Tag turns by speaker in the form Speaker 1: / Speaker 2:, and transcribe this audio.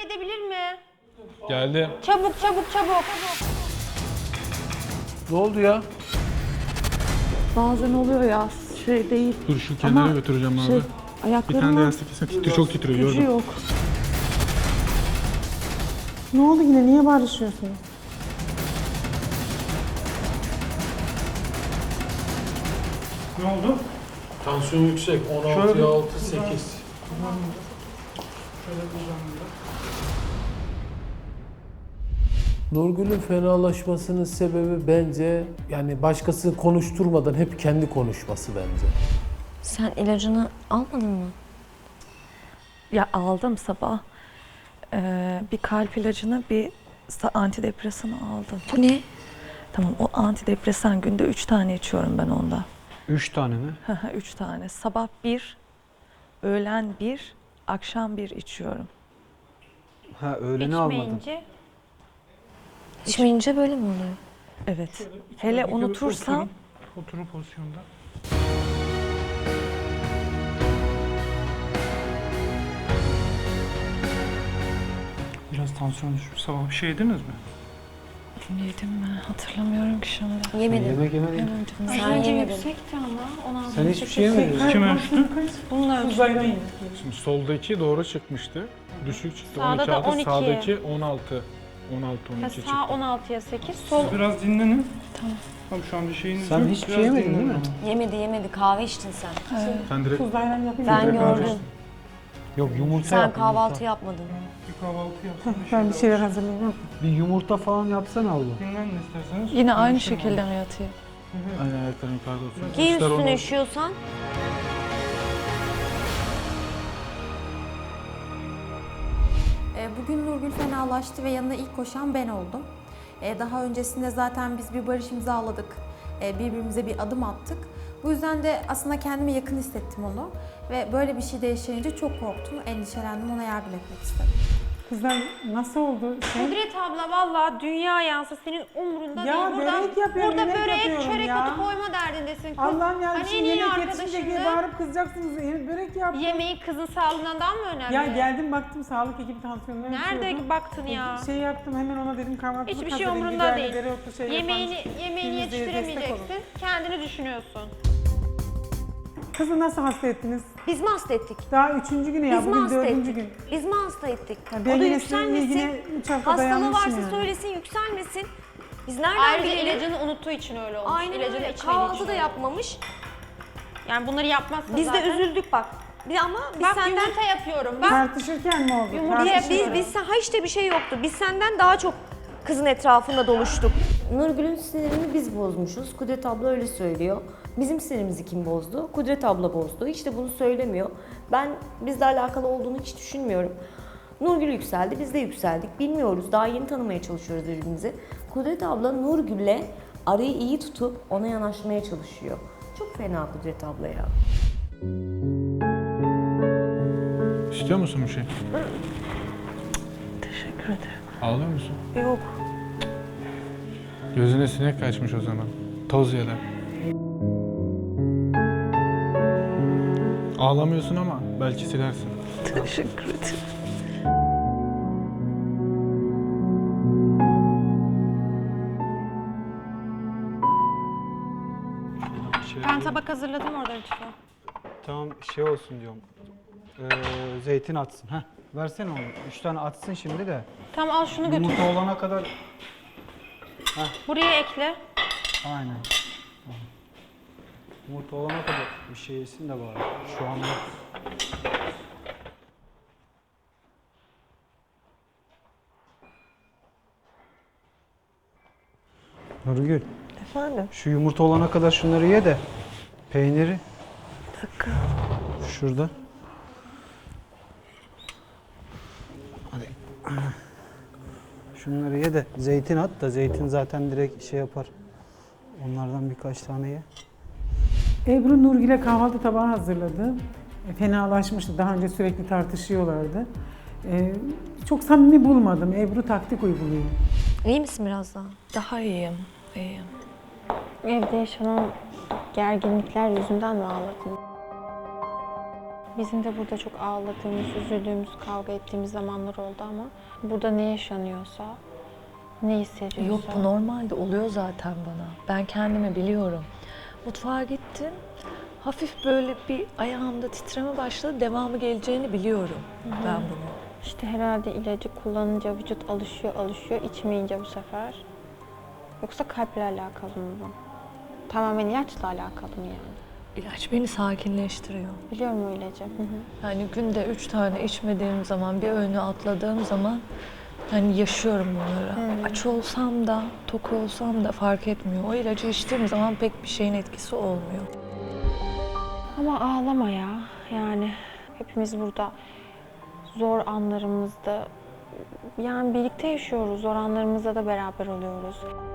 Speaker 1: edebilir mi?
Speaker 2: Geldi.
Speaker 1: Çabuk çabuk çabuk.
Speaker 3: Ne oldu ya?
Speaker 4: Bazen oluyor ya, şey değil.
Speaker 2: Dur şu kenara
Speaker 4: Ama
Speaker 2: götüreceğim abi.
Speaker 4: şey,
Speaker 2: Bir tane de
Speaker 4: ayaklarımın
Speaker 2: yastık kesin titriyor, çok titriyor
Speaker 4: gücü
Speaker 2: gördüm.
Speaker 4: yok.
Speaker 5: Ne oldu yine? Niye barışıyorsunuz?
Speaker 6: Ne oldu?
Speaker 2: Tansiyon yüksek. 16,
Speaker 6: Şöyle-
Speaker 2: 6, 8.
Speaker 3: Nurgül'ün fenalaşmasının sebebi bence yani başkasını konuşturmadan hep kendi konuşması bence.
Speaker 7: Sen ilacını almadın mı?
Speaker 4: Ya aldım sabah. Bir kalp ilacını, bir antidepresanı aldım.
Speaker 7: Bu ne?
Speaker 4: Tamam, o antidepresan günde 3 tane içiyorum ben onda.
Speaker 6: 3 tane mi?
Speaker 4: 3 tane. Sabah 1, öğlen 1, akşam 1 içiyorum.
Speaker 6: Ha öğleni almadın.
Speaker 1: İçmeyince.
Speaker 7: İçmeyince böyle mi oluyor?
Speaker 4: Evet. Hele unutursam
Speaker 6: Oturun pozisyonda. Biraz tansiyon düşmüş. Sabah bir şey yediniz mi?
Speaker 4: yedim mi? Hatırlamıyorum ki şimdi.
Speaker 7: Yemedim.
Speaker 6: Yemek yemedin.
Speaker 4: Yemedim.
Speaker 7: Sen yemedin.
Speaker 1: Yüksekti ama 16.
Speaker 6: Sen hiçbir şey yemedin. Kim ölçtü?
Speaker 1: Bununla
Speaker 2: Şimdi soldaki doğru çıkmıştı. Düşük çıktı.
Speaker 1: Sağda
Speaker 2: 12
Speaker 1: da
Speaker 2: aldı.
Speaker 1: 12.
Speaker 2: Sağdaki 16. 16, 12 çıktı.
Speaker 1: sağ 16'ya 8, sol
Speaker 6: Biraz dinlenin. Tamam şu an bir şeyiniz
Speaker 8: Sen
Speaker 6: yok.
Speaker 8: hiçbir
Speaker 6: Biraz
Speaker 8: şey yemedin
Speaker 6: dinlenin
Speaker 8: değil mi?
Speaker 7: Yemedi yemedi. Kahve içtin sen.
Speaker 2: Sen direkt
Speaker 5: Tuzla ayran yapayım.
Speaker 7: Ben
Speaker 2: direkt
Speaker 7: gördüm.
Speaker 2: almıştın.
Speaker 8: Yok yumurta
Speaker 7: Sen
Speaker 8: yap,
Speaker 7: kahvaltı
Speaker 8: yumurta.
Speaker 7: yapmadın.
Speaker 6: Bir kahvaltı yapsın.
Speaker 5: Ben bir şeyler hazırlayayım.
Speaker 8: Bir yumurta falan yapsana abla.
Speaker 6: Dinlenin isterseniz.
Speaker 4: Yine aynı
Speaker 6: Konuşalım.
Speaker 4: şekilde mi yatayım?
Speaker 2: Aynen ayakların yukarıda olsun.
Speaker 7: Giy
Speaker 2: Kuşlar
Speaker 7: üstüne
Speaker 2: onu-
Speaker 7: üşüyorsan.
Speaker 9: Bugün Nurgül fenalaştı ve yanına ilk koşan ben oldum. Daha öncesinde zaten biz bir barış imzaladık. Birbirimize bir adım attık. Bu yüzden de aslında kendime yakın hissettim onu. Ve böyle bir şey de yaşayınca çok korktum, endişelendim, ona yardım etmek istedim.
Speaker 5: Kızlar nasıl oldu?
Speaker 1: Kudret abla valla dünya yansa senin umrunda
Speaker 5: Ya
Speaker 1: değil.
Speaker 5: börek yapıyorum,
Speaker 1: Burada
Speaker 5: yemek
Speaker 1: böreğe
Speaker 5: yapıyorum
Speaker 1: çörek
Speaker 5: ya.
Speaker 1: otu koyma derdindesin kız.
Speaker 5: Allah'ım ya
Speaker 1: Hani
Speaker 5: şimdi
Speaker 1: en iyi
Speaker 5: yemek yetişince diye
Speaker 1: arkadaşındı.
Speaker 5: bağırıp kızacaksınız. Börek yap.
Speaker 1: Yemeği kızın sağlığından daha mı önemli?
Speaker 5: Ya geldim baktım sağlık ekibi tansiyonunu
Speaker 1: Nerede
Speaker 5: ölçüyordu.
Speaker 1: baktın ya?
Speaker 5: Şey yaptım hemen ona dedim kahvaltılık
Speaker 1: Hiçbir şey
Speaker 5: hazırlayın,
Speaker 1: umurunda
Speaker 5: biberli
Speaker 1: değil.
Speaker 5: dereotlu şey
Speaker 1: Yemeğini
Speaker 5: yaparım. Yüzde yüz destek
Speaker 1: yetiştiremeyeceksin. Kendini düşünüyorsun.
Speaker 5: Kızı nasıl hasta ettiniz?
Speaker 7: Biz mi hasta ettik?
Speaker 5: Daha 3. günü ya
Speaker 7: Biz mi
Speaker 5: bugün
Speaker 7: hasta
Speaker 5: 4.
Speaker 7: ettik?
Speaker 5: gün.
Speaker 7: Biz mi hasta ettik?
Speaker 5: Ya
Speaker 7: O
Speaker 5: ben
Speaker 7: da
Speaker 5: yine seninle
Speaker 7: yükselmesin.
Speaker 5: ilgili 3 hafta
Speaker 7: Hastalığı
Speaker 5: dayanmışım
Speaker 7: varsa
Speaker 5: yani.
Speaker 7: söylesin, yükselmesin. Biz nereden
Speaker 1: Ayrıca
Speaker 7: bilelim?
Speaker 1: ilacını unuttuğu için öyle olmuş.
Speaker 7: Aynen
Speaker 1: İlacını
Speaker 7: öyle.
Speaker 1: içmediği
Speaker 7: Kahvaltı
Speaker 1: için
Speaker 7: da
Speaker 1: öyle.
Speaker 7: yapmamış.
Speaker 1: Yani bunları yapmazsa
Speaker 7: Biz
Speaker 1: zaten.
Speaker 7: de üzüldük bak. Ama biz
Speaker 1: Bak
Speaker 7: senden...
Speaker 1: yumurta yapıyorum. Bak
Speaker 5: Tartışırken mi oldu?
Speaker 1: Yumurta
Speaker 7: Biz ha işte bir şey yoktu. Biz senden daha çok kızın etrafında doluştuk.
Speaker 10: Nurgül'ün sinirini biz bozmuşuz. Kudret abla öyle söylüyor. Bizim sinirimizi kim bozdu? Kudret abla bozdu. Hiç de bunu söylemiyor. Ben bizle alakalı olduğunu hiç düşünmüyorum. Nurgül yükseldi, biz de yükseldik. Bilmiyoruz, daha yeni tanımaya çalışıyoruz birbirimizi. Kudret abla Nurgül'le arayı iyi tutup ona yanaşmaya çalışıyor. Çok fena Kudret abla ya.
Speaker 2: İstiyor musun bir şey?
Speaker 4: Teşekkür ederim.
Speaker 2: Ağlıyor musun?
Speaker 4: Yok.
Speaker 2: Gözüne sinek kaçmış o zaman. Toz yere. Ağlamıyorsun ama belki silersin.
Speaker 4: Teşekkür ederim.
Speaker 1: ben tabak hazırladım orada lütfen.
Speaker 8: Tamam şey olsun diyorum. Zeytin atsın. Heh, versene onu. 3 tane atsın şimdi de.
Speaker 1: Tamam al şunu götür.
Speaker 8: Yumurta olana kadar
Speaker 1: Buraya ekle.
Speaker 8: aynen. Yumurta olana kadar bir şey yesin de bari. Şu anda. Nurgül,
Speaker 4: Efendim?
Speaker 8: şu yumurta olana kadar şunları ye de peyniri
Speaker 4: Bir dakika.
Speaker 8: şurada. Hadi. Şunları ye de zeytin at da zeytin zaten direkt şey yapar. Onlardan birkaç tane ye.
Speaker 5: Ebru Nurgül'e kahvaltı tabağı hazırladı. Fenalaşmıştı. Daha önce sürekli tartışıyorlardı. Çok samimi bulmadım. Ebru taktik uyguluyor.
Speaker 7: İyi misin biraz daha?
Speaker 4: Daha iyiyim. İyiyim.
Speaker 1: Evde yaşanan gerginlikler yüzünden mi ağladın? Bizim de burada çok ağladığımız, üzüldüğümüz, kavga ettiğimiz zamanlar oldu ama burada ne yaşanıyorsa, ne hissediyorsa...
Speaker 4: Yok, bu normalde oluyor zaten bana. Ben kendimi biliyorum. Mutfağa gittim. Hafif böyle bir ayağımda titreme başladı. Devamı geleceğini biliyorum ben bunu.
Speaker 1: İşte herhalde ilacı kullanınca vücut alışıyor, içmeyince bu sefer. Yoksa kalple alakalı mı bu? Tamamen ilaçla alakalı mı yani?
Speaker 4: İlaç beni sakinleştiriyor.
Speaker 1: Biliyorum o ilacı. Hı hı.
Speaker 4: Yani günde 3 tane içmediğim zaman, bir öğünü atladığım zaman yani yaşıyorum bunları. Aç olsam da, tok olsam da fark etmiyor. O ilacı içtiğim zaman pek bir şeyin etkisi olmuyor.
Speaker 1: Ama ağlama ya. Yani hepimiz burada zor anlarımızda, yani birlikte yaşıyoruz. Zor anlarımızda da beraber oluyoruz.